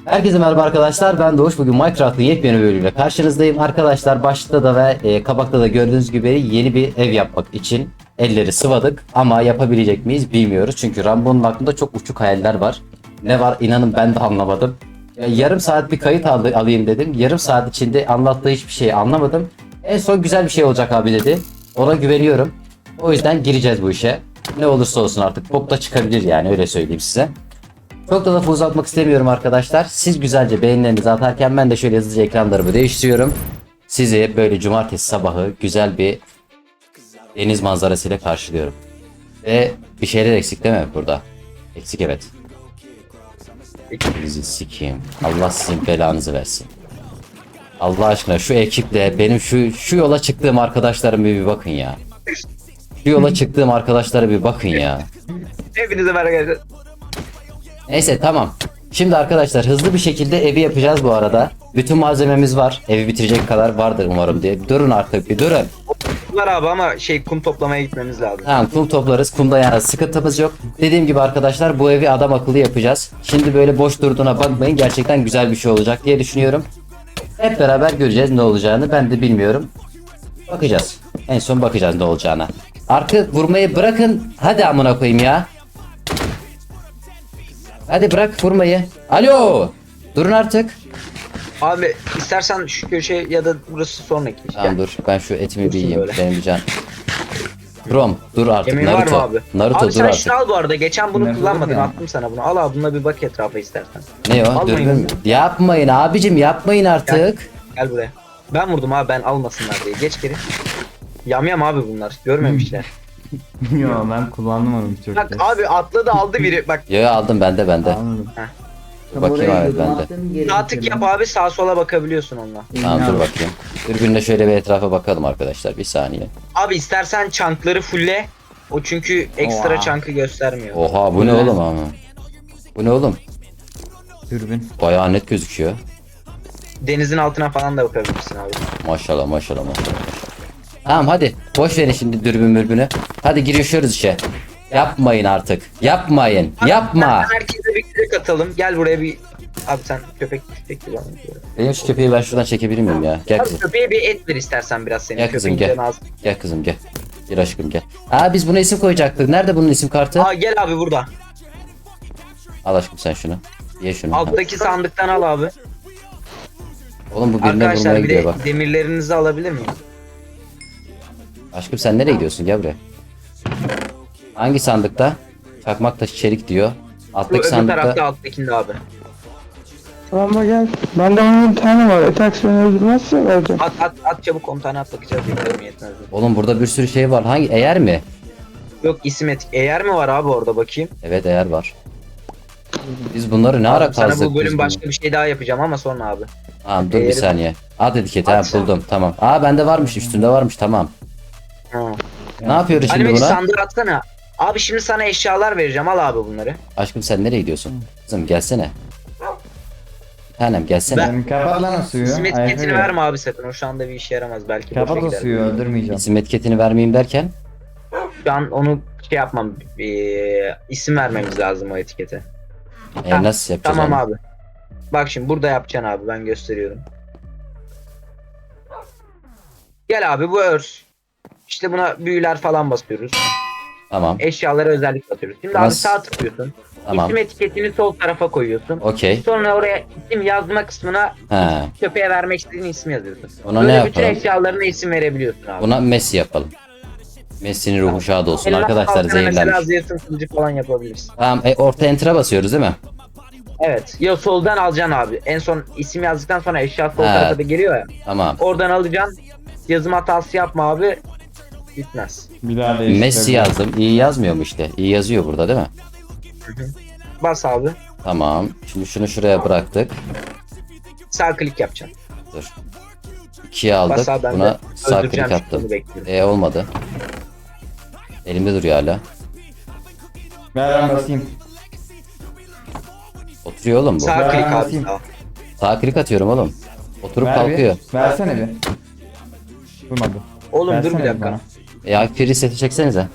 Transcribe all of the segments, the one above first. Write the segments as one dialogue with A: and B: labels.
A: Herkese merhaba arkadaşlar, ben Doğuş. Bugün Minecraft'ın yepyeni bölümüyle karşınızdayım. Arkadaşlar başta da ve kabakta da gördüğünüz gibi yeni bir ev yapmak için elleri sıvadık. Ama yapabilecek miyiz bilmiyoruz. Çünkü Rambo'nun aklında çok uçuk hayaller var. Ne var inanın ben de anlamadım. Yarım saat bir kayıt alayım dedim. Yarım saat içinde anlattığı hiçbir şeyi anlamadım. En son güzel bir şey olacak abi dedi. Ona güveniyorum. O yüzden gireceğiz bu işe. Ne olursa olsun artık bok da çıkabilir yani, öyle söyleyeyim size. Çok da lafı uzatmak istemiyorum arkadaşlar. Siz güzelce beğenilerinizi atarken ben de şöyle hızlıca ekranlarımı değiştiriyorum. Sizi böyle cumartesi sabahı güzel bir deniz manzarasıyla karşılıyorum. Ve bir şeyler eksik değil mi burada? Eksik, evet. Bizi sikeyim. Allah sizin belanızı versin. Allah aşkına şu ekiple benim şu yola çıktığım arkadaşlarım bir bakın ya. Şu yola çıktığım arkadaşlara bir bakın ya.
B: Hepinize merhaba arkadaşlar.
A: Neyse tamam. Şimdi arkadaşlar hızlı bir şekilde evi yapacağız bu arada. Bütün malzememiz var. Evi bitirecek kadar vardır umarım diye. Durun artık bir durun.
B: Var abi ama kum toplamaya gitmemiz lazım.
A: Tamam, kum toplarız. Kumda yani sıkıntımız yok. Dediğim gibi arkadaşlar bu evi adam akıllı yapacağız. Şimdi böyle boş durduğuna bakmayın. Gerçekten güzel bir şey olacak diye düşünüyorum. Hep beraber göreceğiz ne olacağını. Ben de bilmiyorum. Bakacağız. En son bakacağız ne olacağına. Arka vurmayı bırakın. Hadi amına koyayım ya. Hadi bırak vurmayı. Alo. Durun artık.
B: Abi istersen şu köşe ya da burası sonraki.
A: Tamam dur, ben şu etimi bir
B: Dursun
A: yiyeyim.
B: böyle.
A: Benim bir can. Dur artık
B: Yemeğin var mı
A: Naruto.
B: abi?
A: Naruto
B: Abi
A: dur
B: sen
A: artık.
B: şunu al bu arada. Geçen bunu
C: Ne
B: kullanmadın.
C: ya?
B: Attım sana bunu. Al abi bununla bir bak etrafa istersen.
A: Ne o?
B: Almayın
A: Dürbün mü?
B: bunu.
A: Yapmayın abicim, yapmayın artık.
B: Gel buraya. Ben vurdum abi, ben almasınlar diye. Geç geri. Yam abi bunlar. Görmemişler.
C: Yo ben kullandım onu birçok
B: Bak
C: kez.
B: abi atladı aldı biri. Bak
A: Yo aldım, bende.
C: Anladım.
A: Dur bakayım abi bende.
B: sağ tık yap abi, sağa sola bakabiliyorsun onunla.
A: Tamam dur bakayım. Dürbünle şöyle bir etrafa bakalım arkadaşlar, bir saniye.
B: Abi istersen çankları fulle. O çünkü ekstra
C: Oha.
B: çankı göstermiyor.
A: Oha bu ne oğlum ama? Bu ne oğlum?
C: Dürbün.
A: Bayağı net gözüküyor.
B: Denizin altına falan da bakabilirsin abi.
A: Maşallah maşallah maşallah. Tamam hadi boş verin şimdi dürbün mürbünü. Hadi girişiyoruz işe. Yapmayın artık. Yapmayın. Yapma.
B: Herkese bir kürek atalım. Gel buraya bir... Abi sen köpek gibi anlatıyor.
A: Benim şu köpeği ben şuradan çekebilir miyim ya? Gel
B: Abi
A: kızım.
B: köpeğe bir et ver istersen biraz senin.
A: Gel kızım,
B: Köpeğin
A: gel.
B: canı az.
A: Gel kızım gel. Gel aşkım gel. Aa biz buna isim koyacaktık. Nerede bunun isim kartı?
B: Aa gel abi burada.
A: Al aşkım sen şunu. Ye şunu.
B: Alttaki sandıktan al abi.
A: Oğlum bu birine vurmaya
B: Arkadaşlar bir
A: gidiyor
B: de
A: bak.
B: demirlerinizi alabilir miyim?
A: Aşkım sen nereye gidiyorsun? Gel buraya. Hangi sandıkta? Çakmak taşı çelik diyor.
B: Bu
A: Alttaki
B: öbür tarafta
A: sandıkta.
B: alttakinde abi.
D: Tamam gel. Bende onun bir tane var. Atak beni öldürmezse vereceğim.
B: At çabuk 10 tane at bakacağız. Beklerim yetmez.
A: Oğlum burada bir sürü şey var. Hangi? Eğer mi?
B: Yok isim et. Eğer mi var abi orada bakayım.
A: Evet eğer var. Biz bunları ne ara
B: Sana
A: kazdık
B: bu
A: biz
B: bölüm
A: bunu?
B: başka bir şey daha yapacağım ama sonra abi.
A: Tamam dur bir
B: Eğeri-
A: saniye. At etiketi ha
B: At.
A: buldum tamam. Aa bende varmış, üstünde varmış, tamam.
B: Ha.
A: Ne yapıyoruz şimdi
B: Animeci
A: buna?
B: sandığı atsana. Abi şimdi sana eşyalar vereceğim. Al abi bunları.
A: Aşkım sen nereye gidiyorsun? Kızım gelsene. Bir tanem gelsene.
B: Ben-
C: Kapat lan o suyu.
B: İsim
C: Ayakta
B: etiketini
C: gel.
B: verme abi sakın. O şu anda bir işe yaramaz. Belki boşa
C: Kapat o
B: gider.
C: suyu öldürmeyeceğim.
A: İsim etiketini vermeyeyim derken.
B: Şu an onu şey yapmam. İsim vermemiz lazım o etikete. Ha,
A: Nasıl yapacağız
B: Tamam
A: onu?
B: abi. Bak şimdi burada yapacaksın abi. Ben gösteriyorum. Gel abi bu örs. İşte buna büyüler falan basıyoruz.
A: Tamam.
B: Eşyalara özellik atıyoruz. Şimdi abi
A: Nasıl?
B: sağ tıklıyorsun.
A: Tamam.
B: İsim etiketini sol tarafa koyuyorsun.
A: Okey.
B: Sonra oraya isim yazma kısmına
A: He.
B: köpeğe vermek istediğin ismi yazıyorsun.
A: Buna
B: Böyle
A: ne
B: bütün
A: yapalım?
B: eşyalarına isim verebiliyorsun abi.
A: Buna Messi yapalım. Messi'nin ruhu şad olsun.
B: Elmas
A: Arkadaşlar
B: altına mesela
A: zehirlenmiş.
B: zeytin kılıcı falan yapabilirsin.
A: Tamam orta enter'a basıyoruz değil mi?
B: Evet. Ya soldan alacaksın abi. En son isim yazdıktan sonra eşya sol
A: He.
B: tarafa da geliyor ya.
A: Tamam.
B: Oradan alacaksın. Yazım hatası yapma abi. Bitmez.
C: Bir daha değiştir.
A: Messi yazdım. İyi yazmıyor mu işte? İyi yazıyor burada değil mi?
B: Bas abi.
A: Tamam. Şimdi şunu şuraya bıraktık.
B: Sağ klik yapacaksın.
A: Dur. 2'ye aldık.
B: Bas abi, ben
A: Buna
B: de
A: sağ
B: öldüreceğim
A: klik
B: şimdi,
A: attım.
B: bunu bekliyorum.
A: Olmadı. Elimde duruyor hala.
C: Ver ben basayım.
A: Oturuyor oğlum bu.
B: Sağ
C: Ben
B: klik abi.
C: basayım.
B: Sağ.
A: Sağ klik atıyorum oğlum. Oturup
C: Ver
A: kalkıyor.
C: bir. Versene bir. Durmadı.
B: Oğlum dur
C: Versene
B: bir dakika.
C: bana.
A: Ya free seti çeksenize.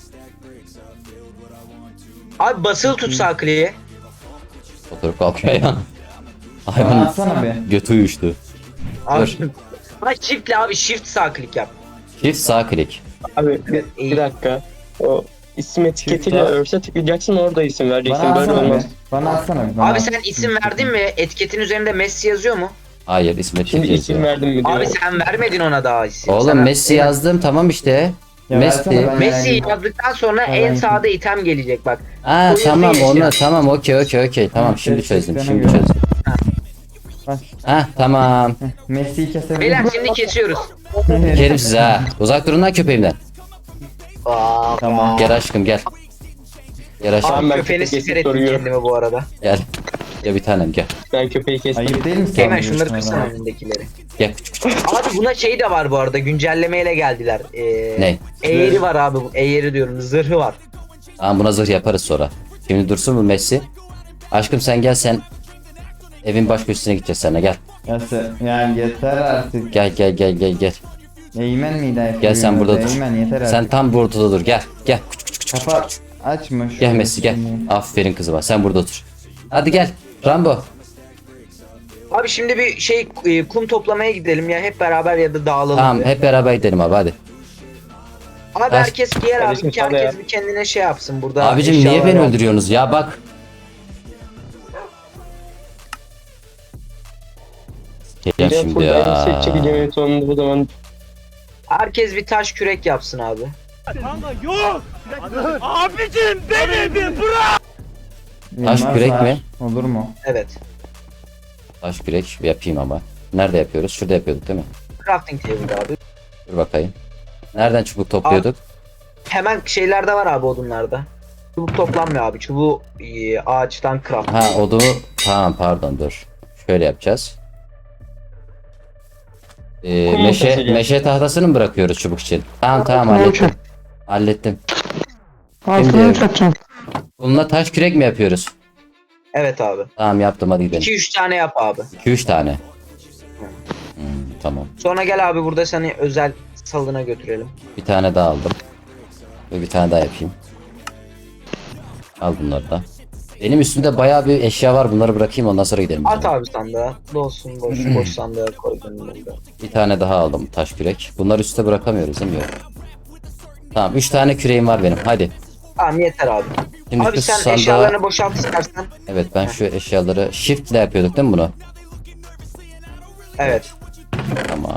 B: Abi basılı tut sağ kliği.
A: Oturup kalkıyor ya.
C: Bana
A: Hayvanın
C: atsana be.
A: götü uyuştu.
B: Abi,
A: Dur.
B: Ama shift'le abi shift sağ klik yap.
A: Çift sağ klik.
E: Abi bir dakika. O isim etiketiyle
C: Çift-
E: örse tıklayacaksın orada isim vereceksin.
C: Bana
E: Böyle
C: atsana
E: olmaz.
C: be. Bana atsana be. Bana
B: Abi
C: at.
B: sen isim verdin mi? Etiketin üzerinde Messi yazıyor mu?
A: Hayır İsmet
E: Şimdi
A: Çift
E: isim
A: yazıyor.
E: verdim mi diyor.
B: Abi sen vermedin ona daha isim.
A: Oğlum
B: Sana-
A: Messi yazdım tamam işte.
C: Ya versene
A: Messi.
C: ben
B: Messi
C: yani.
B: yazdıktan sonra
C: Ben
B: en
C: yani-
B: sağda item gelecek bak.
A: Ha
B: O
A: tamam
B: yazıyor
A: onu
B: ya.
A: tamam okey tamam şimdi
C: ses
A: çözdüm
C: seslerine
A: şimdi
C: göre.
A: çözdüm.
C: Bak,
A: Ha tamam.
C: Messi'yi kesebilir
B: Beyler
C: miyim?
B: şimdi kesiyoruz.
A: Kerim size ha. Uzak durun lan köpeğimden.
C: Tamam.
A: Gel aşkım gel. Gel aşkım
E: Tamam, ben
B: Köpeğini
E: köpek
B: siper
E: kesip
B: ettim
E: soruyorum.
B: kendime bu arada.
A: gel. Gel bir tanem gel.
E: Ben köpeği kestim.
C: Ayıp değil mi?
B: Hemen
C: sen
B: şunları
C: bu
B: kırsana
C: adama?
B: önündekileri.
A: Gel küçük küçük.
B: Abi buna şey de var bu arada güncellemeyle geldiler.
A: Ne?
B: Eğeri var abi. Eğeri diyorum zırhı var.
A: Tamam buna zırh yaparız sonra. Şimdi dursun mu Messi? Aşkım sen gel sen. Evin baş köşesine gideceğiz seninle gel.
C: Yani yeter artık.
A: Gel.
C: Eğmen miydi ayıp?
A: Gel sen burada dur.
C: Eğmen yeter artık.
A: Sen tam bu ortada dur gel. Gel. Küçük.
C: Kafa açma.
A: Gel
C: şöyle
A: Messi gel.
C: şimdi.
A: Aferin kızıma sen burada otur. Hadi gel. Rambo.
B: Abi şimdi bir şey kum toplamaya gidelim ya hep beraber ya da dağılalım.
A: Tamam
B: bir.
A: hep beraber gidelim abi hadi.
B: Abi
A: Ver.
B: herkes giyer abi
E: Kardeşim,
B: ki
E: sana
B: herkes
E: ya.
B: bir kendine şey yapsın burada.
A: Abicim niye
B: eşyalar
A: beni
B: var.
A: öldürüyorsunuz ya bak. Geleceğim
E: Bir de
A: şimdi
E: full elbise
A: ya.
E: çekeceğim sonunda bu zaman.
B: Herkes bir taş kürek yapsın abi.
A: Taş
C: Yılmaz
A: kürek
C: var.
A: mi?
C: Olur mu?
B: Evet.
A: Taş kürek yapayım ama. Nerede yapıyoruz? Şurada yapıyorduk değil mi?
B: Crafting table abi.
A: Dur bakayım. Nereden çubuk topluyorduk?
B: Hemen şeylerde var abi odunlarda. Çubuk toplanmıyor abi. Çubuğu ağaçtan craft.
A: Ha odunu tamam pardon dur. Şöyle yapacağız.
E: Kum ortası
A: Meşe tahtasını mı bırakıyoruz çubuk için? Tamam
D: Kum
A: hallettim.
D: ortası.
A: Hallettim.
D: Altına
A: Şimdi-
D: üç atacağım.
A: Bununla taş kürek mi yapıyoruz?
B: Evet abi.
A: Tamam yaptım hadi gidelim.
B: 2-3 tane yap abi.
A: 2-3 tane. Tamam.
B: Sonra gel abi burada seni özel salına götürelim.
A: Bir tane daha aldım. Ve bir tane daha yapayım. Al bunları da. Benim üstümde bayağı bir eşya var. Bunları bırakayım ondan sonra gidelim. biz
B: At
A: ama.
B: abi sandığa. Dolsun boş boş sandığa koy önünde.
A: Bir tane daha aldım taş kürek. Bunları üste bırakamıyoruz değil mi? Yok. Tamam 3 tane küreğim var benim. Hadi.
B: Tamam yeter abi.
A: Şimdi
B: Abi
A: şu
B: sen
A: sandığa...
B: eşyalarını boşalt istersen.
A: Evet ben şu eşyaları shift ile yapıyorduk değil mi bunu?
B: Evet.
A: Tamam.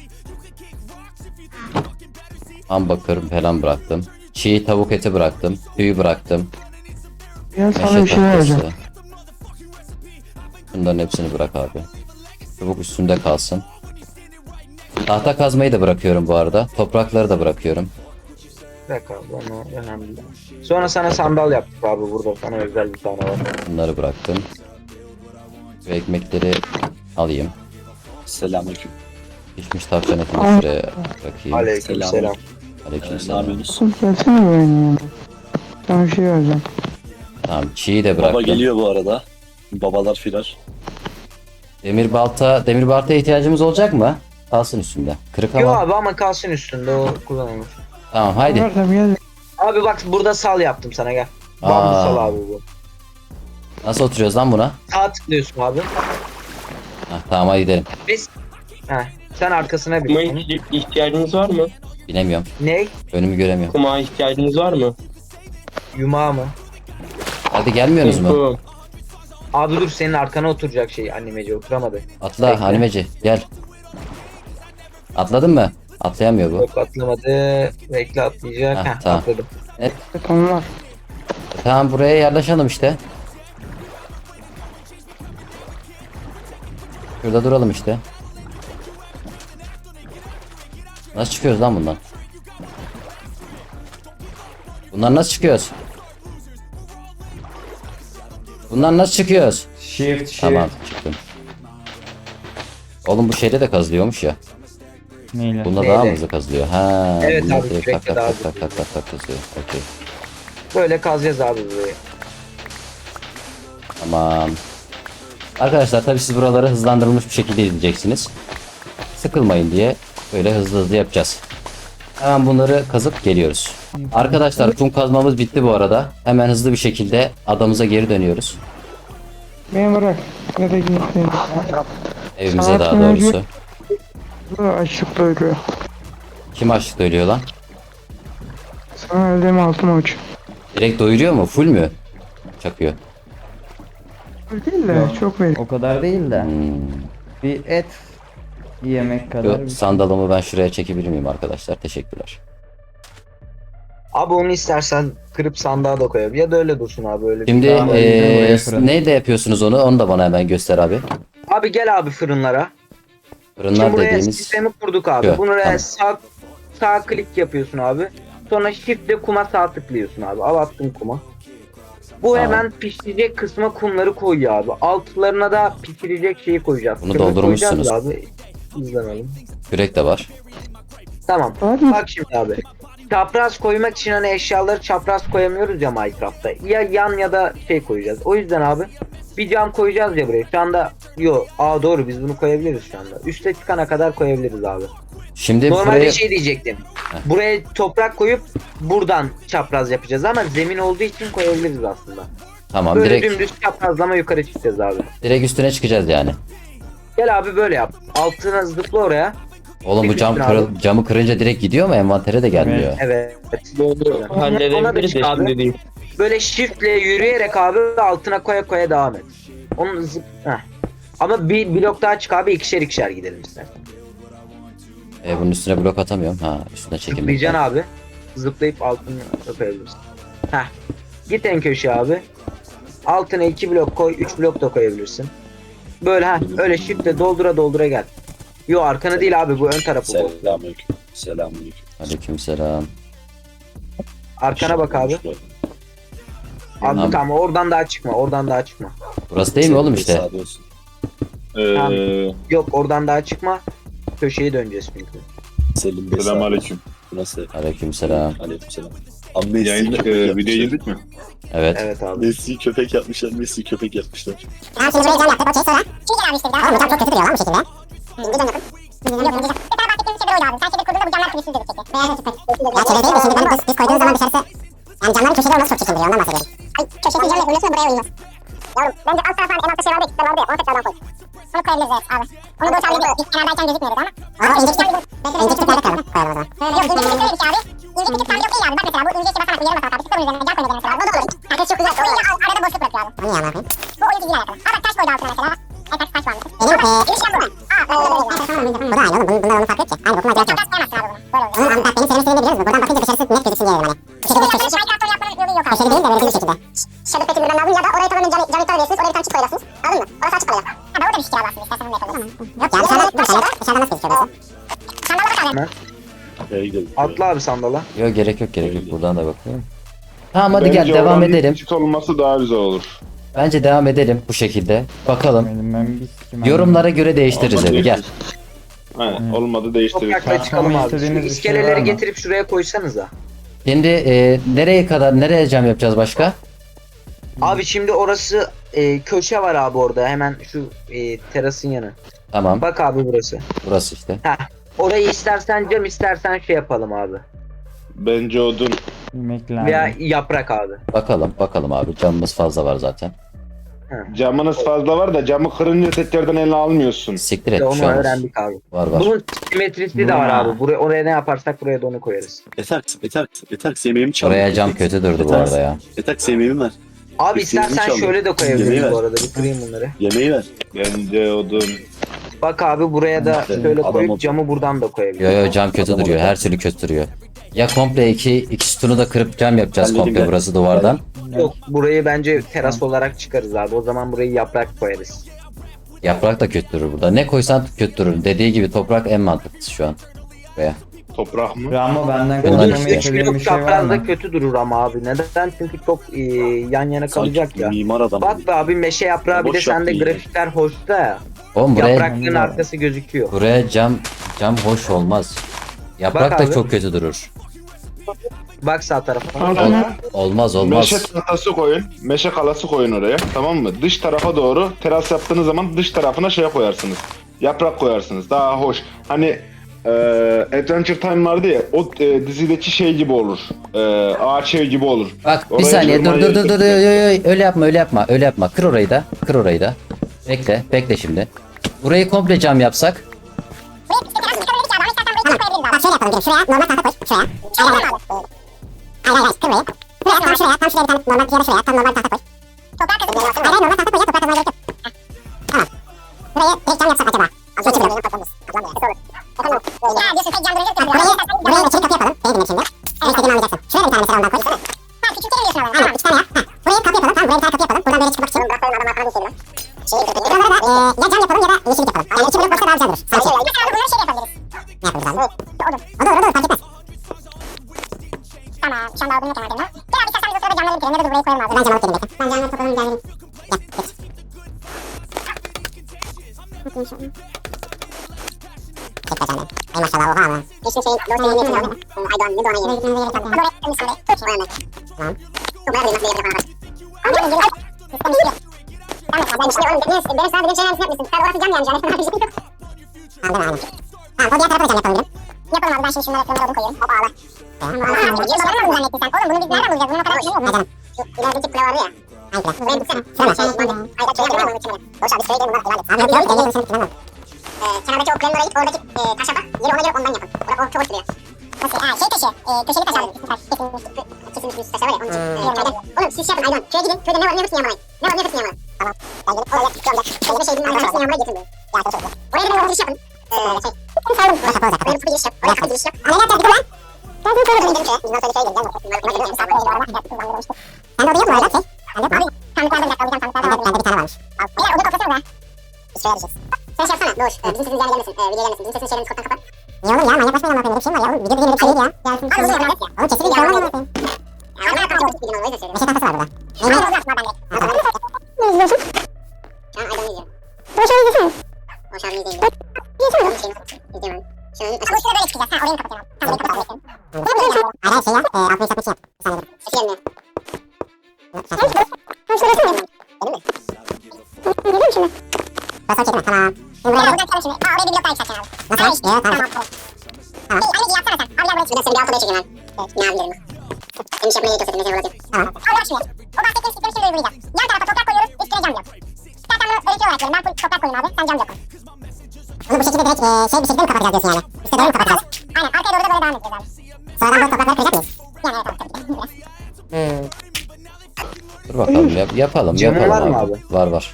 A: Hamburger falan bıraktım. Çiğ tavuk eti bıraktım. Tüyü bıraktım.
D: Gel sana
A: Meşe
D: bir şey vereceğim.
A: tahtası. Bunların hepsini bırak abi. Çubuk üstünde kalsın. Tahta kazmayı da bırakıyorum bu arada. Toprakları da bırakıyorum.
B: Bırak abi onu önemli değil. Sonra sana sandal yaptık abi burada. Sana özel bir tane var.
A: Bunları bıraktım. Şu ekmekleri alayım.
F: Selamünaleyküm.
A: Pişmiş tavşan etini
D: Ay.
A: şuraya bırakayım.
B: Aleykümselam.
F: Selam. Ne
A: Aleykümselam.
F: yapıyorsunuz?
D: Oğlum gelsene benim yanıma. Sana bir şey vereceğim.
A: Tamam çiği de
F: Baba
A: bıraktım.
F: geliyor bu arada. Babalar firar.
A: Demir baltaya ihtiyacımız olacak mı? Kalsın üstünde. Kırık
B: Yok
A: ama.
B: abi ama kalsın üstünde o kullanılır.
A: Tamam haydi.
D: Versem gel.
B: Abi bak burada sal yaptım sana gel.
A: Aa.
B: Bambu sal abi bu.
A: Nasıl oturuyoruz lan buna?
B: Sağ tıklıyorsun abi.
A: Heh, tamam hadi gidelim.
B: Biz... Heh, sen arkasına
E: Kuma
B: bir.
E: ihtiyacınız var mı?
A: Bilemiyorum.
B: Ne?
A: Önümü göremiyorum.
E: Kuma ihtiyacınız var mı?
B: Yumağı mı?
A: Hadi gelmiyorsunuz mu?
E: Kum.
B: Abi dur senin arkana oturacak şey animeci oturamadı.
A: Atla
B: Bekle.
A: animeci gel. Atladın mı? Atlayamıyor bu.
B: Yok atlamadı. Bekle atlayacak.
A: Heh,
B: Heh,
A: tamam.
B: atladım.
D: Tamam var.
A: Tamam buraya yerleşelim işte. Şurada duralım işte. Nasıl çıkıyoruz lan bundan? Bundan nasıl çıkıyoruz? Bundan nasıl çıkıyoruz?
C: Shift.
A: Tamam çıktım. Oğlum bu şeyde de kazılıyormuş ya.
C: Neyle?
A: Bunda
B: Neyle?
A: daha mı hızlı kazılıyor? Ha.
B: Evet
A: bunda
B: abi,
A: direkt
B: sürekli
A: tak tak
B: daha
A: tak tak tak tak tak kazıyor. Okey.
B: Böyle kazacağız abi burayı.
A: Tamam. Arkadaşlar tabii siz buraları hızlandırılmış bir şekilde izleyeceksiniz. Sıkılmayın diye böyle hızlı hızlı yapacağız. Hemen bunları kazıp geliyoruz. Arkadaşlar kum kazmamız bitti bu arada. Hemen hızlı bir şekilde adamıza geri dönüyoruz.
D: Beni bırak. Ne de gitsin.
A: Evimize daha
D: Sakin
A: doğrusu.
D: Bu da açlıkla ölüyor.
A: Kim açlıkta ölüyor lan?
D: Sana öldüğüm altın uç.
A: Direkt doyuruyor mu? Full mü? Çakıyor.
D: Öyle değil de
C: Yok.
D: çok verir.
C: O kadar değil de.
A: Hmm.
C: Bir et yemek kadar.
A: Şu sandalımı ben şuraya çekebilir miyim arkadaşlar? Teşekkürler.
B: Abi onu istersen kırıp sandığa da koyabilir. Ya da öyle dursun abi öyle.
A: Şimdi
C: Tamam, oraya fırın.
A: neyle yapıyorsunuz onu? Onu da bana hemen göster abi.
B: Abi gel abi fırınlara.
A: Fırınlar
B: Şimdi buraya
A: dediğimiz
B: sistemi kurduk abi.
A: Yok,
B: Buraya
A: tamam.
B: sağ klik yapıyorsun abi. Sonra shift'le kuma sağ tıklıyorsun abi. Al attın kuma. Bu
A: Tamam.
B: hemen pişirecek kısma kumları koyuyor abi. Altlarına da pişirecek şeyi koyacağız.
A: Bunu
B: Kömür
A: doldurmuşsunuz.
B: koyacağız Abi. İzlemelim.
A: kürek de var.
B: Tamam.
D: Hadi.
B: Bak şimdi abi. Çapraz koymak için hani eşyaları çapraz koyamıyoruz ya Minecraft'ta. Ya yan ya da şey koyacağız. O yüzden abi bir cam koyacağız ya buraya. Şu anda doğru biz bunu koyabiliriz şu anda. Üste çıkana kadar koyabiliriz abi.
A: Şimdi
B: Normalde
A: buraya
B: şey diyecektim. Buraya toprak koyup buradan çapraz yapacağız ama zemin olduğu için koyabiliriz aslında.
A: tamam
B: Böyle
A: direkt
B: dümdüz çaprazlama yukarı çıkacağız abi.
A: direkt üstüne çıkacağız yani.
B: Gel abi böyle yap. Altına zıpla oraya.
A: Oğlum bu
B: Abi.
A: camı kırınca direkt gidiyor mu? Envantere de gelmiyor.
B: Evet.
E: Doğru.
B: Ona da
E: Halledebiliriz de
B: çık abi.
E: şimdi değil.
B: Böyle shiftle yürüyerek abi altına koya devam et. Onu Heh. Ama bir blok daha çık abi ikişer gidelim istersen.
A: Bunun üstüne blok atamıyorum. Ha üstüne çekilmek.
B: Zıplayacaksın abi. Zıplayıp altına koyabilirsin. Heh. Git en köşeye abi. Altına 2 blok koy, 3 blok da koyabilirsin. Böyle öyle shiftle doldura gel. Yo arkanı değil abi bu ön tarafı bu.
F: Selamünaleyküm. Selamünaleyküm.
A: Aleykümselam.
B: Arkana bak abi. Abi tamam oradan daha çıkma.
A: Burası değil mi oğlum işte?
F: Sade olsun.
B: Yok oradan daha çıkma. Köşeyi döneceğiz çünkü.
F: Selim Bey.
G: Selamünaleyküm.
F: Nasıl?
A: Aleykümselam.
F: Aleykümselam. Abi Messi
G: Yayın,
F: köpek
G: video
F: yapmışlar.
G: girdik mi?
A: Evet.
B: Evet abi.
F: Messi köpek yapmışlar. Messi köpek yapmışlar.
H: Tamam şimdi buraya cam yaptık okey sonra. Şimdi gel abi işte bir daha. Oğlum bu cam çok kötü duruyor lan bu şekilde. Bir cam yapın. Bir cam yapın. Bir tane bahsettiğimiz şey böyle abi. Sen çevir kurduğunda bu camlar pürüzsüz gözükecek. Beyaz açık. Ya çevir değil de şimdi ben biz koyduğumuz zaman dışarısı. Yani camların köşeleri olması çok çirkin duruyor ondan bahsediyorum. Ay köşede cam yapıyorsun buraya uymaz. Yavrum bence alt tarafa en altta şey vardı ya kitler vardı ya onu tekrardan koy. Onu koyabiliriz evet abi. Onu doğru çağırdı biz kenardayken gözükmüyordu ama. Ama ince küçük küçüklerde koyalım o zaman. Yok ince küçük öyle bir şey abi. İnce küçük tam yok iyi abi. Bak mesela bu ince işte basarak bir yere basarak abi. Sıkılın üzerine cam koyacağız mesela. O da olur. Herkes çok güzel. O ince arada boşluk bırakıyor abi. Onu iyi anlatayım. Bu oyun çizgiyle alakalı. Aa bak taş koydu altına mesela. Taş var mı? Benim ilişkim bu. Bu da aynı oğlum. Bunlar onu fark et ki. Aynı okuma direkt yok. Koyamazsın abi bunu. Böyle olur. Oğlum bak benim senin istediğini biliyoruz mu? Buradan bakınca dışarısı net gözüksün diye dedim hani. Köşede köşede. Minecraft'ı yapmanın yolu yok abi. Köşede değil de böyle bir şekilde. Shadow Pet'i bilmem lazım ya da oraya tamamen cam iptal ediyorsunuz. Oraya bir tane çift koyacaksınız. Anladın mı? Orası açık kalıyor. Ha da orada bir fikir alarsın istersen onu yapalım. Yok ya dışarıdan nasıl gözüküyor orası? Sandalye bak abi.
F: Nereye gidelim?
B: Atla abi sandala.
A: Yok gerek yok. Buradan da bakıyorum. Tamam hadi gel
G: Bence
A: devam
G: oranın
A: edelim.
G: küçük olması daha güzel olur.
A: Bence devam edelim bu şekilde. Bakalım.
C: Ben bir sikim
A: Yorumlara göre değiştiririz
G: Olmadı
A: evi gel.
G: Aynen. Olmadı değiştiririz.
B: Toprakla çıkalım abi. Şu
C: istediğiniz bir şey
B: iskeleleri
C: var mı?
B: getirip şuraya koysanıza.
A: Şimdi nereye cam yapacağız başka?
B: Abi şimdi orası köşe var abi orada. Hemen şu terasın yanı.
A: Tamam.
B: Bak abi burası.
A: Burası işte.
B: Orayı istersen cam istersen şey yapalım abi.
G: Bence odun.
C: yemek lazım.
B: Veya yaprak abi.
A: Bakalım abi. Camımız fazla var zaten.
G: Camınız fazla var da camı kırınca tekrardan eline almıyorsun.
A: Siktir
B: İşte
A: et
B: onu
A: şu an.
B: öğrendik abi.
A: Var.
B: Bunun simetrisi de var abi. Oraya ne yaparsak buraya da onu koyarız.
F: Etaks yemeğimi çaldı.
A: Oraya cam kötü durdu bu arada ya.
F: Etaks yemeğimi ver.
B: Abi
F: İstediğini
B: istersen
F: çaldı.
B: şöyle de
F: Yemeği
B: koyabiliriz
F: ver.
B: bu arada. Bir kırayım bunları.
F: Yemeği ver.
G: Bence odun.
B: Bak abi buraya da
F: Evet,
B: şöyle
F: adam
B: koyup
F: oldu.
B: camı buradan da koyabiliriz.
A: Yo cam kötü
F: Adam
A: duruyor.
F: orada.
A: Her türlü kötü duruyor. Ya komple iki sütunu da kırıp cam yapacağız
F: Halledin
A: komple
F: gel.
A: burası duvardan.
B: Yok burayı bence teras olarak çıkarız abi. O zaman burayı yaprak koyarız.
A: Yaprak da kötü durur burada. Ne koysan kötü durur. Dediği gibi toprak en mantıklısı şu an. Veya.
G: Toprak mı?
C: Ramo benden
A: Bunlar
B: Odun
A: işte.
C: konuşmamı
B: 3
C: istediğin bir
B: blok
C: şey var
B: çaprazda
C: mı?
B: kötü durur ama abi. Neden? Çünkü çok yan yana kalacak
F: Sanki
B: ya.
F: mimar adam.
B: Bak be abi meşe yaprağı bir de
F: Boş
B: sende
F: yaptın ya.
B: grafikler hoşta ya.
A: Oğlum
B: Yaprakların arkası gözüküyor.
A: buraya cam hoş olmaz. Yaprak
B: Bak
A: da
B: abi.
A: çok kötü durur.
B: Bak sağ tarafa.
D: Altına
A: Olmaz.
G: Meşe kalası koyun. Meşe kalası koyun oraya. Tamam mı? Dış tarafa doğru teras yaptığınız zaman dış tarafına şey koyarsınız. Yaprak koyarsınız. Daha hoş. Hani Adventure Time vardı ya, o dizideki şey gibi olur. Ağaç ev gibi olur.
A: Bak bir
G: Oraya
A: saniye dur
G: tırmanı
A: dur dur dur
G: yedirsin.
A: öyle yapma öyle yapma öyle yapma. Kır orayı da. Kır orayı da. Bekle şimdi. Burayı komple cam yapsak.
H: Bak şöyle yapalım. Şuraya normal tahta koy. Şuraya. Hayır. Kırmayı. Buraya tam şuraya. Tam şuraya bir tane normal ya da şuraya. Tam normal tahta koy. Toprağa kazın. Hayır normal tahta koy ya. Toprağa kazmaya gerek yok. Tamam. Burayı direkt cam yapsak acaba. Su çıkıyor. Ya diyorsun tek cam duracak ya. Burayı da çelik kapı yapalım. Beni dinle şimdi. En istediğini anlayacaksın. Şuraya bir tane mesela ondan koy. Ha küçültelim diyorsun ama. Aynen 2 tane yap. Burayı kapı yapalım. Tamam buraya bir tane kapı yapalım. Buradan böyle çıkmak için. Buralara da ya cam yapalım ya da yeşillik yapalım. Yani 2 blok olsa daha güzel durur. Sanki. Mesela bunları şey yapabiliriz. Ne yapabiliriz abi? Olur fark etmez. Tamam şu anda aldığım yok kenarlarına. Gel abi istersen biz o sırada camları bitirelim ya da burayı koyalım abi. Ben camı bitireyim bekle. Ben camları toplayalım geldim. Gel geç. Bakayım şöyle. Tek bacağım benim. Ay maşallah oha ama. Eşim şeyin doğru şeyin niyetini aldı. Aydoğan ne doğan yeri. Gitmemize gerek yok. Hadi oraya gitmemiz şimdi. Tut. Tamam. Çok merak ediyorum nasıl yapacak bana bak. Ama gel. Sistem işliyor. Tamam ben işliyor oğlum. Benim sana dediğim şeyler yapmışsın. Sen orası cam yani cam. Tamam değil mi? Aynen. Tamam o diğer tarafa da cam yapalım dedim. Yapalım abi ben şimdi şunları kırmızı odun koyuyorum. Hop ağla. Tamam. Babanı mı zannettin sen? Oğlum bunu biz nereden bulacağız? Bunun o kadar şey yok mu? Şu ilerideki kule vardı ya. Hangi kule? Buraya gitsene. Şuraya mı? Hayır şuraya girelim onun içine. Boş abi şuraya girelim bunlar ileride. Abi yok yok. Elini bitiremem. Kenardaki o kulenin oraya git. Oradaki taşa bak. Yeri ona göre ondan yapın. O çok hoş duruyor. Nasıl? Şey taşı. Köşeli taş abi. Kesilmiş bir taş var ya. Onun için. Oğlum siz şey yapın Aydoğan. Köye gidin. Köyde ne var ne hepsini yağmalayın. Ne var ne hepsini yağmalayın. Tamam. Oraya tutuyorum da. Kendime şey diyeyim. Hepsini yağmalayı getirin. Ya çok çok. Oraya gidin orada giriş yapın. Sayalım. Oraya kapı olacak. Oraya kapı giriş yap. Oraya kapı giriş yap. Ama ne yapacağız bir lan? Ben sana söyledim. Gidelim şöyle. Biz nasıl şöyle gidelim. Sen de odaya mı var şey? Ben de abi. Sandıklarda bir dakika alacağım sandıklarda var. Bende bir tane varmış. Beyler oda toplasana be. Biz şuraya düşeceğiz. Sen şey yapsana Doğuş. Bizim sesimiz yani gelmesin. Video gelmesin. Bizim sesini şeylerini koddan kapat. Niye oğlum ya? Manyaklaşmayın ama bir şey mi var ya? Video dediğin bir şey değil ya. Gelsin. Abi bunu yapalım. Oğlum kesin bir olmaz mı? Ya ben kapatacağım. Bir gün olmayı da söylüyorum. Meşe tahtası var burada. Neyin olacak mı bende? Ne izliyorsun? Şu an Aydan'ı izliyorum. Boş ver izlesene. Boş ver izleyeyim. İzleyeyim. İzleyemem. Şu an açık. Ama şurada böyle çıkacağız. Ha orayı mı kapatacağım? Tamam orayı kapatalım. Hayır şey ya. Altını satmak için yap. Bir saniye dur. Sesi gelmiyor. Tamam şurada resmi mi? Benim mi? Geliyor mu şimdi? Basar çekme tamam. Şimdi buraya buradan çıkalım şimdi. Oraya bir blok daha yükselteceksin abi. Nasıl? Tamam. Tamam. Tamam. Anneciğim yapsana sen. Abi gel buraya çık. Bir de seni bir alt odaya çekeyim ben. Ne abi dedim. Senin iş yapmaya yetiyor seni. Mesela olacak. Tamam. Al bak şuraya. O bahsettiğim sistemi şimdi uygulayacağız. Yan tarafa toprak koyuyoruz. Üstüne cam blok. İstersen bunu öğretiyor olarak verin. Ben full toprak koyayım abi. Sen cam blok koy. Bunu bu şekilde direkt şey bir şekilde mi kapatacağız diyorsun yani? İşte doğru mu kapatacağız? Aynen. Arkaya doğru da böyle devam edeceğiz abi. Sonradan bu toprakları kıracak mıyız? Yani evet abi tabii ki.
A: Dur bakalım yapalım
B: Camın
A: yapalım
B: var mı
A: abi.
B: abi?
A: Var.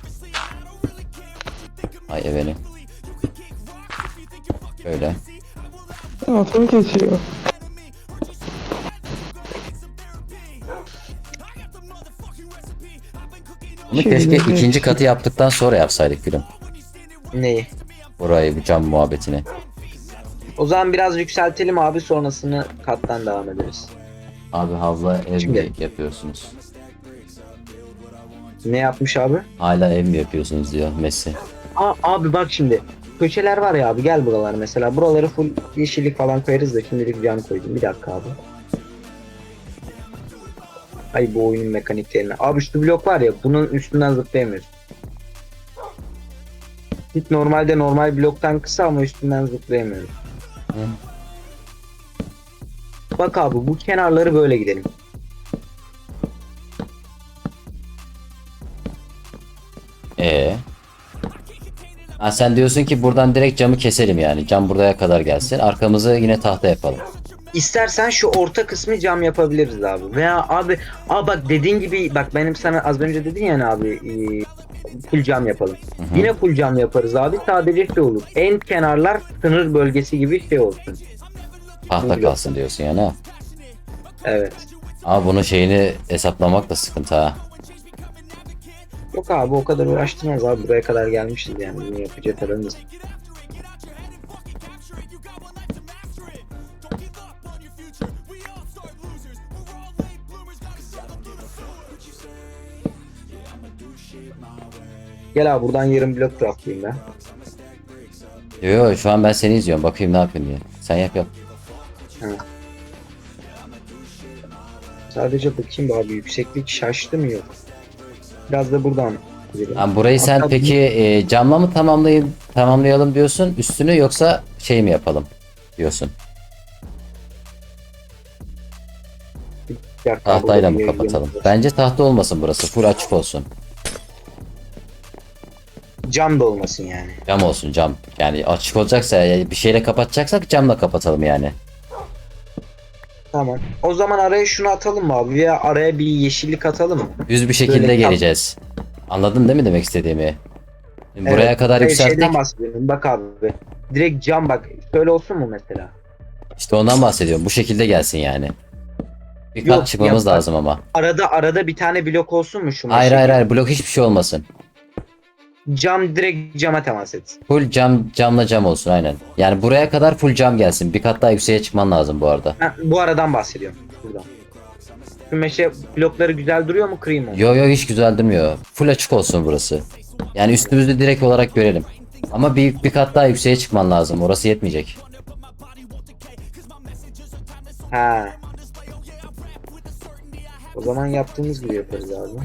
A: Ay efendim. Böyle.
D: Motoru kesiyor.
A: Bunu keşke ikinci katı yaptıktan sonra yapsaydık gülüm.
B: Neyi?
A: Orayı bir cam muhabbetini.
B: O zaman biraz yükseltelim abi sonrasını kattan devam ederiz.
A: Abi havla ev
B: Şimdi.
A: mi yapıyorsunuz?
B: Ne yapmış abi?
A: Hala ev mi yapıyorsunuz diyor Messi.
B: Abi bak şimdi. Köşeler var ya abi gel buralar mesela. Buraları full yeşillik falan koyarız da şimdilik cam koydum. Bir dakika abi. Ay bu oyunun mekaniklerini. Abi şu blok var ya bunun üstünden zıplayamıyoruz. Hiç normalde normal bloktan kısa ama üstünden zıplayamıyoruz. Bak abi bu kenarları böyle gidelim.
A: Ha, sen diyorsun ki buradan direkt camı keselim yani. Cam buraya kadar gelsin. Arkamızı yine tahta yapalım.
B: İstersen şu orta kısmı cam yapabiliriz abi. Veya abi bak dediğin gibi bak benim sana az önce dedin yani abi full cam yapalım.
A: Hı.
B: Yine full cam yaparız abi. Sadece şey olur. En kenarlar sınır bölgesi gibi şey olsun.
A: Tahta kalsın diyorsun yani ha.
B: Evet.
A: Ama bunun şeyini hesaplamak da sıkıntı ha.
B: Yok abi o kadar uğraştırmaz abi. Buraya kadar gelmişiz yani. Bunu yapacak aramız. Gel abi buradan yarım blok craftlayayım ben.
A: Yo şu an ben seni izliyorum. Bakayım ne yapıyorsun diye. Sen yap.
B: Sadece bakayım abi yükseklik şaştı mı yok. Biraz da buradan gidelim.
A: Ha, burayı sen
B: Hatta
A: peki camla mı tamamlayalım diyorsun üstünü yoksa şey mi yapalım? diyorsun.
B: Bir dakika,
A: Tahtayla mı
B: burada bir
A: kapatalım?
B: yayın var.
A: Bence tahta olmasın burası. Full açık olsun.
B: Cam da olmasın yani.
A: Cam olsun cam. Yani açık olacaksa bir şeyle kapatacaksak camla kapatalım yani.
B: Tamam. O zaman araya şunu atalım mı abi? Veya araya bir yeşillik atalım mı?
A: Düz bir şekilde
B: Böyle
A: geleceğiz. Anladın değil mi demek istediğimi? Buraya
B: Evet,
A: kadar
B: hayır,
A: yükselttik.
B: Şeyden bahsediyorum. Bak abi. Direkt cam bak. Şöyle olsun mu mesela?
A: İşte ondan bahsediyorum. Bu şekilde gelsin yani. Bir
B: Yok,
A: kat çıkmamız
B: yap bak.
A: lazım ama.
B: Arada bir tane blok olsun mu şu
A: Hayır
B: meşe?
A: hayır hayır blok hiçbir şey olmasın.
B: Cam direkt cama temas etsin.
A: Full camla cam olsun aynen. Yani buraya kadar full cam gelsin. Bir kat daha yükseğe çıkman lazım bu arada.
B: Ha, bu aradan bahsediyorum. Buradan. Şu meşe blokları güzel duruyor mu, kırayım mı?
A: Yo hiç güzel durmuyor. Full açık olsun burası. Yani üstümüzü direkt olarak görelim. Ama bir kat daha yükseğe çıkman lazım. Orası yetmeyecek.
B: Ha. O zaman yaptığımız gibi yaparız abi.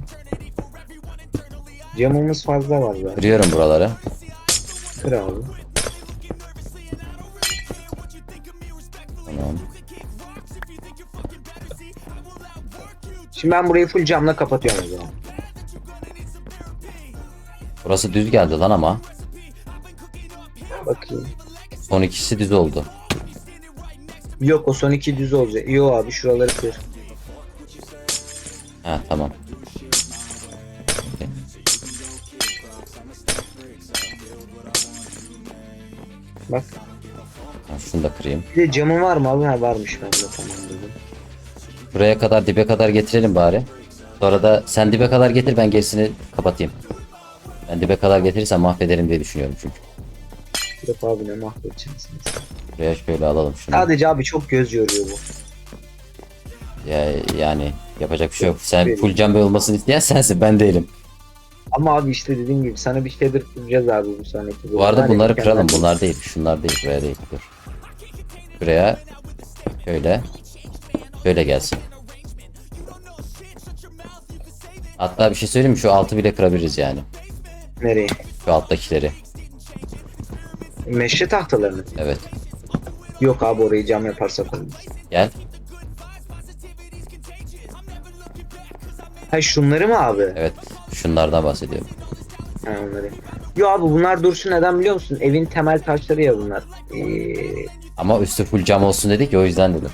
B: Camımız fazla var zaten.
A: Kırıyorum buraları.
B: Kır abi.
A: Tamam.
B: Şimdi ben burayı full camla kapatıyorum o zaman.
A: Burası düz geldi lan ama.
B: Bakayım.
A: Son ikisi düz oldu.
B: Yok, o son iki düz olacak. Yok abi, şuraları kır.
A: Ha tamam. Okey.
B: Bak.
A: Ha, şunu da kırayım.
B: Bir de camın var mı abi? Ha, varmış bende, tamam dedim.
A: Buraya kadar dibe kadar getirelim bari. Sonra da sen dibe kadar getir ben gerisini kapatayım. Ben dibe kadar getirirsem mahvederim diye düşünüyorum çünkü.
B: Yok abi, ne mahvedeceksiniz.
A: Buraya şöyle alalım şunu.
B: Sadece abi çok göz yoruyor bu.
A: Yani yapacak bir şey yok. Sen full cam olmasını isteyen sensin ben değilim.
B: Ama abi işte dediğim gibi sana bir şeydir kuracağız abi bu sonraki.
A: Bu arada
B: Var ya,
A: bunları
B: mükemmel
A: kıralım.
B: bir-
A: Bunlar değil. Şunlar değil. Buraya değil. Dur. Buraya şöyle. Şöyle gelsin. Hatta bir şey söyleyeyim mi? Şu altı bile kırabiliriz yani.
B: Nereye?
A: Şu alttakileri.
B: Meşe tahtalarını.
A: Evet.
B: Yok abi, orayı cam yaparsak olmaz.
A: Gel.
B: Ha, şunları mı abi?
A: Evet. Şunlardan bahsediyorum.
B: Ha, onları. Yo abi, bunlar dursun, neden biliyor musun? Evin temel taşları ya bunlar.
A: Ama üstü full cam olsun dedik ya o yüzden dedim.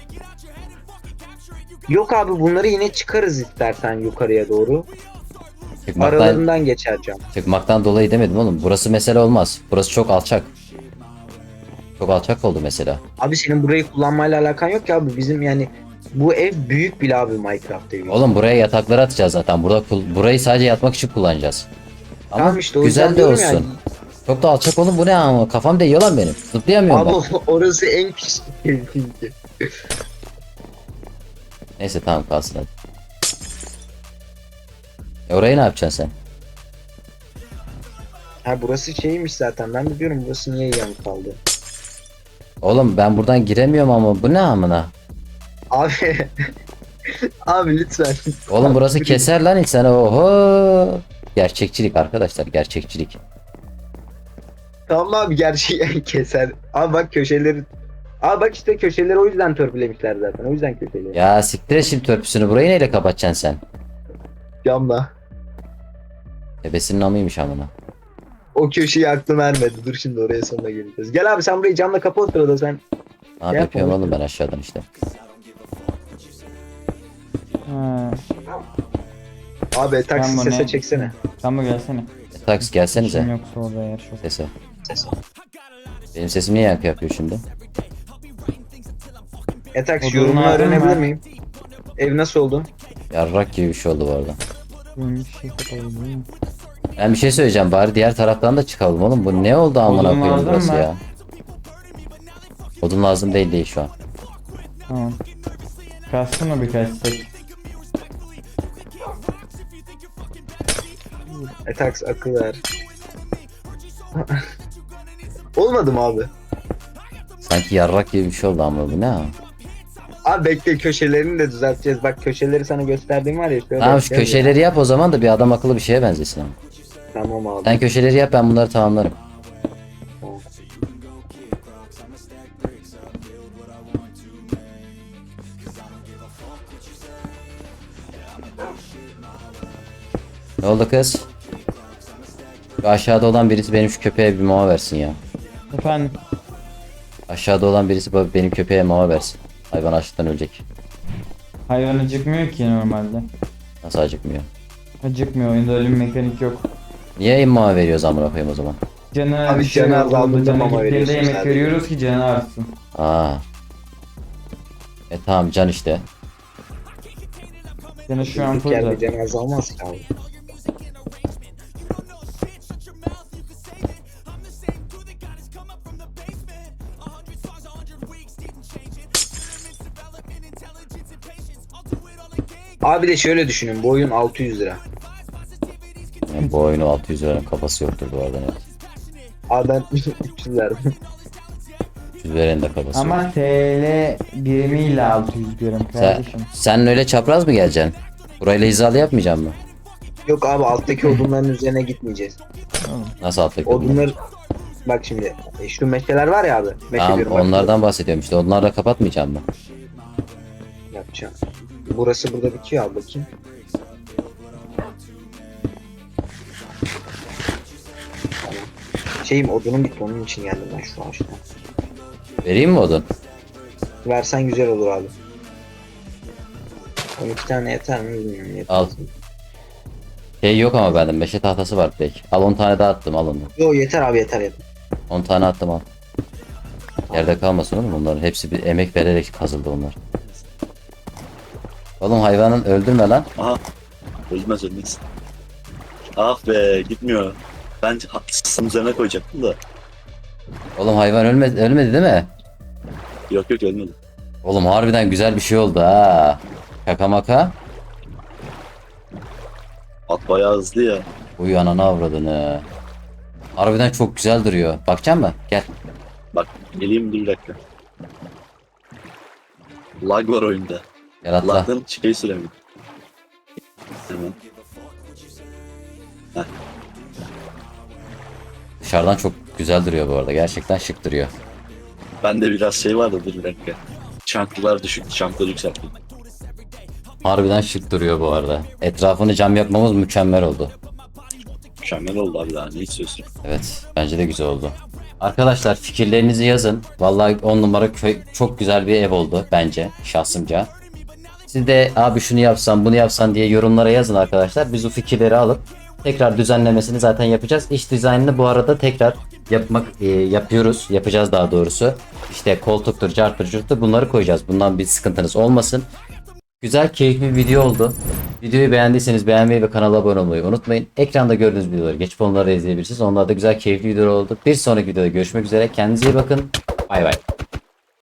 B: Yok abi, bunları yine çıkarız istersen yukarıya doğru.
A: Çıkmaktan,
B: Aralarından geçer cam.
A: çıkmaktan dolayı demedim oğlum. Burası mesele olmaz. Burası çok alçak. Çok alçak oldu mesela.
B: Abi senin burayı kullanmayla alakan yok ki abi. Bizim yani bu ev büyük bile abi, Minecraft evi.
A: Oğlum buraya yatakları atacağız zaten. Burayı sadece yatmak için kullanacağız. Ama
B: Tamam işte, o
A: güzel
B: yüzden
A: de
B: diyorum
A: olsun.
B: yani.
A: Çok da alçak oğlum bu ne ama kafam değiyor lan benim. Zıplayamıyorum
B: Abi
A: bak.
B: orası en küçük ev çünkü.
A: Neyse tamam kalsın hadi. Orayı ne yapacaksın sen?
B: Ha, burası şeymiş zaten. Ben de diyorum burası niye yan kaldı.
A: Oğlum ben buradan giremiyorum ama bu ne amına?
B: Abi. Abi lütfen.
A: Oğlum burası keser lan insanı oho. Gerçekçilik arkadaşlar gerçekçilik.
B: Tamam abi, gerçeği keser. Abi bak köşeleri. Abi bak işte köşeleri o yüzden törpülemişler zaten. O yüzden köşeleri.
A: Ya siktir et şimdi törpüsünü burayı neyle kapatacaksın sen?
B: Camla.
A: Ebesinin amıymış amına.
B: O köşeyi aklım ermedi. Dur şimdi oraya sonra geleceğiz. Gel abi, sen burayı camla kapa, o sırada sen.
A: Ne yapıyorum
B: yapma,
A: oğlum ben aşağıdan işte.
C: Ha.
B: Abi taksi
C: Tamam,
B: sese
C: ne?
B: çeksene.
C: Tamam gelsene.
A: Taksi gelsenize.
C: İşim yoksa orada yer çok.
A: Sese. Benim sesim niye yankı yapıyor şimdi?
B: Taksi
C: Odun
B: yorumunu
C: lazım
B: öğrenebilir
C: var.
B: miyim? Ev nasıl oldu?
A: Yarrak gibi bir şey oldu bu arada.
C: Benim bir şey kapalı değil mi?
A: Ben bir şey söyleyeceğim bari diğer taraftan da çıkalım oğlum. Bu ne oldu amına
C: Odun
A: koyayım
C: lazım
A: burası
C: mı?
A: ya. Odun lazım değil şu an.
C: Tamam. Kalsın o birkaç tek.
B: Taksi akıl ver. Olmadı mı abi?
A: Sanki yarrak gibi bir şey oldu ama bu ne ha?
B: Abi bekle, köşelerini de düzelteceğiz. Bak köşeleri sana gösterdiğim var ya. Şöyle
A: Tamam şu
B: yapacağız ya.
A: köşeleri yap o zaman da bir adam akıllı bir şeye benzesin ama.
B: Tamam abi.
A: Sen köşeleri yap ben bunları tamamlarım. Ne oldu kız? Şu aşağıda olan birisi benim şu köpeğe bir mama versin ya.
C: Efendim.
A: Aşağıda olan birisi benim köpeğe mama versin. Hayvan açlıktan ölecek.
C: Hayvan acıkmıyor ki normalde.
A: Nasıl acıkmıyor?
C: Acıkmıyor. Oyunda öyle bir mekanik yok.
A: Niye mama veriyoruz amına koyayım o zaman?
C: Canı
B: Abi canı azaldığında
C: canı
B: mama
C: gittiğinde
B: veriyorsun
C: yemek
B: sadece.
C: veriyoruz ki canı artsın.
A: Aa. Tamam can işte.
C: Canı şu an
B: Durduk
C: full
B: yerde
C: zaten.
B: cenaze almaz ki abi. Abi de şöyle düşünün, bu oyun 600 lira.
A: Yani bu oyunu 600 liranın kafası yoktur bu arada net.
B: Abi ben 300 verdim.
A: 300 liranın da kafası yok.
C: Ama TL birimiyle 600 diyorum kardeşim.
A: Sen öyle çapraz mı geleceksin? Burayla hizalı yapmayacak mı?
B: Yok abi, alttaki odunların üzerine gitmeyeceğiz.
A: Nasıl alttaki odunlar?
B: Odunlar, bak şimdi şu meşeler var ya abi. Meşe
A: Tamam
B: diyorum, bak.
A: onlardan bahsediyorum işte. Onları da kapatmayacağım mı?
B: Yapacağım. Burası burada bitiyor abi, bakayım. Tamam. Şeyim, odunum bitti, onun için geldim ben şu ağaçtan.
A: Vereyim mi odun?
B: Versen güzel olur abi. 12 tane yeter mi bilmiyorum. Yeter.
A: Al. Şey yok ama bende meşe tahtası var direkt. Al 10 tane daha attım al onu.
B: Yo yeter abi, yeter yeter.
A: 10 tane attım al. Yerde kalmasın oğlum, bunların hepsi bir emek vererek kazıldı onlar. Oğlum hayvanın öldürme lan.
F: Aha. Ölmez ölmez. Ah be gitmiyor. Ben haklısın üzerine koyacaktım da.
A: Oğlum hayvan ölmedi değil mi?
F: Yok yok ölmedi.
A: Oğlum harbiden güzel bir şey oldu ha. Şaka maka.
F: At bayağı hızlı ya.
A: Uyu ananı avradını. Harbiden çok güzel duruyor. Bakacak mı? Gel.
F: Bak geleyim bir dakika. Lag var oyunda.
A: Gel atla.
F: Lag'dan şey süremiyor. Hemen.
A: Dışarıdan çok güzel duruyor bu arada. Gerçekten şık duruyor.
F: Bende biraz şey vardı, dur bir dakika. Çanklılar düşük, çankları yükselttim.
A: Harbiden şık duruyor bu arada. Etrafını cam yapmamız mükemmel oldu.
F: Mükemmel oldu abi, daha ne istiyorsun?
A: Evet, bence de güzel oldu. Arkadaşlar fikirlerinizi yazın. Vallahi 10 numara çok güzel bir ev oldu bence şahsımca. Siz de abi şunu yapsan bunu yapsan diye yorumlara yazın arkadaşlar. Biz o fikirleri alıp tekrar düzenlemesini zaten yapacağız. İç dizaynını bu arada tekrar yapacağız daha doğrusu. İşte koltuktur, carttır, curttur bunları koyacağız. Bundan bir sıkıntınız olmasın. Güzel, keyifli bir video oldu. Videoyu beğendiyseniz beğenmeyi ve kanala abone olmayı unutmayın. Ekranda gördüğünüz videoları geçip onları da izleyebilirsiniz. Onlar da güzel, keyifli videolar oldu. Bir sonraki videoda görüşmek üzere. Kendinize iyi bakın. Bay bay.